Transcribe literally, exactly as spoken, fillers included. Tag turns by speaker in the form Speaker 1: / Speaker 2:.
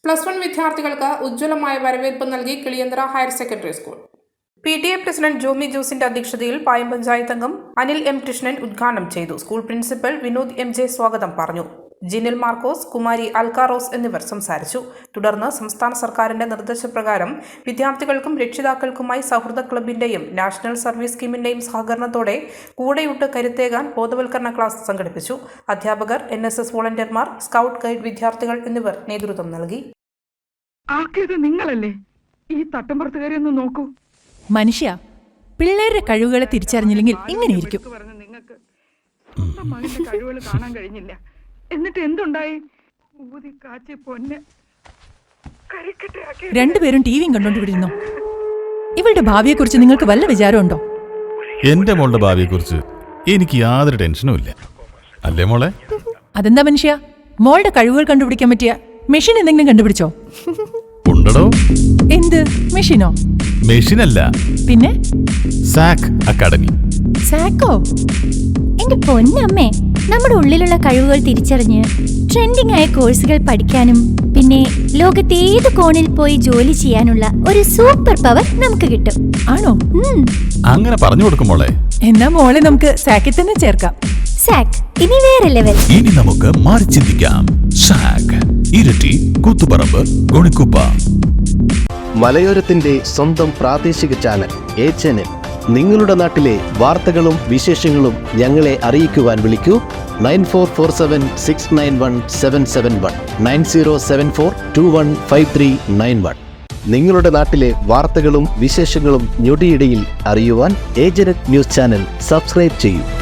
Speaker 1: Plus one വിദ്യാർത്ഥികൾക്ക് ഉജ്ജ്വലമായ വരവേൽപ്പ് നൽകി Kiliyanthara higher secondary school. P T A president Jomi ജോസിന്റെ അധ്യക്ഷതയിൽ പായം പഞ്ചായത്ത് അംഗം അനിൽ എം കൃഷ്ണൻ ഉദ്ഘാടനം ചെയ്തു. School principal Vinod M J സ്വാഗതം പറഞ്ഞു. ജിനിൽ മാർക്കോസ്, കുമാരി അൽക്കാറോസ് എന്നിവർ സംസാരിച്ചു. തുടർന്ന് സംസ്ഥാന സർക്കാരിന്റെ നിർദ്ദേശപ്രകാരം വിദ്യാർത്ഥികൾക്കും രക്ഷിതാക്കൾക്കുമായി സൗഹൃദ ക്ലബിന്റെയും നാഷണൽ സർവീസ് സ്കീമിന്റെയും സഹകരണത്തോടെ കൂടെയുട്ട് കരുത്തേകാൻ ബോധവൽക്കരണ ക്ലാസ് സംഘടിപ്പിച്ചു. അധ്യാപകർ, എൻ എസ് എസ് വോളണ്ടിയർമാർ, സ്കൗട്ട് ഗൈഡ് വിദ്യാർത്ഥികൾ എന്നിവർ നേതൃത്വം നൽകി.
Speaker 2: നിങ്ങളല്ലേ ഈ തട്ടമ്പുറത്തുകാരി ഒന്ന് നോക്കൂ.
Speaker 3: മനുഷ്യ, പിള്ളേരുടെ കഴിവുകളെ തിരിച്ചറിഞ്ഞില്ലെങ്കിൽ ഇങ്ങനെയിരിക്കും.
Speaker 2: നിങ്ങൾക്ക് മകന്റെ കഴിവുകൾ കാണാൻ കഴിഞ്ഞില്ല. എന്നിട്ട് എന്തുണ്ടായി? ഊതി കാച്ചി പൊന്നെ
Speaker 3: രണ്ടുപേരും ടിവിയും കണ്ടോണ്ടിരുന്നു. ഇവളുടെ ഭാവിയെക്കുറിച്ച് നിങ്ങൾക്ക് വല്ല വിചാരമുണ്ടോ?
Speaker 4: എന്റെ മോളുടെ ഭാവിയെക്കുറിച്ച് എനിക്ക് യാതൊരു ടെൻഷനും ഇല്ല. അല്ലേ മോളെ?
Speaker 3: അതെന്താ മനുഷ്യ, മോളുടെ കഴിവുകൾ കണ്ടുപിടിക്കാൻ പറ്റിയ മെഷീൻ എന്തെങ്കിലും കണ്ടുപിടിച്ചോ?
Speaker 4: ഉണ്ടോ?
Speaker 3: എന്ത് മെഷീനോ?
Speaker 4: മെഷീനല്ല,
Speaker 3: പിന്നെ
Speaker 4: സാക് അക്കാഡമി.
Speaker 3: സാക്കോ?
Speaker 5: എന്റെ പൊന്നമ്മേ, നമ്മുടെ ഉള്ളിലുള്ള കഴിവുകൾ തിരിച്ചറിഞ്ഞ് ട്രെൻഡിംഗ് ആയ കോഴ്സുകൾ പഠിക്കാനും പിന്നെ ലോകത്തെ ഏത് കോണിൽ പോയി ജോലി ചെയ്യാനുള്ള ഒരു സൂപ്പർ പവർ നമുക്ക് കിട്ടും.
Speaker 3: ആണോ?
Speaker 4: അങ്ങനെ പറഞ്ഞു കൊടുക്കും മോളെ.
Speaker 3: എന്നാ മോളെ നമുക്ക് സാക്കിൽ തന്നെ ചേർക്കാം.
Speaker 5: സാക് ഇനി വേറെ ലെവൽ.
Speaker 4: ഇനി നമുക്ക് മാറി ചിന്തിക്കാം. സാക്, ഇരട്ടി, കൂത്തുപറമ്പ്, ഗുണിക്കുപ്പ.
Speaker 6: മലയോരത്തിന്റെ സ്വന്തം പ്രാദേശിക ചാനൽ എ ചാനൽ. നിങ്ങളുടെ നാട്ടിലെ വാർത്തകളും വിശേഷങ്ങളും ഞങ്ങളെ അറിയിക്കുവാൻ വിളിക്കൂ. Nine four four seven six nine one seven seven one nine zero seven four two one five three nine one. നിങ്ങളുടെ നാട്ടിലെ വാർത്തകളും വിശേഷങ്ങളും ഞൊടിയിടയിൽ അറിയുവാൻ ഏജനറ്റ് ന്യൂസ് ചാനൽ സബ്സ്ക്രൈബ് ചെയ്യൂ.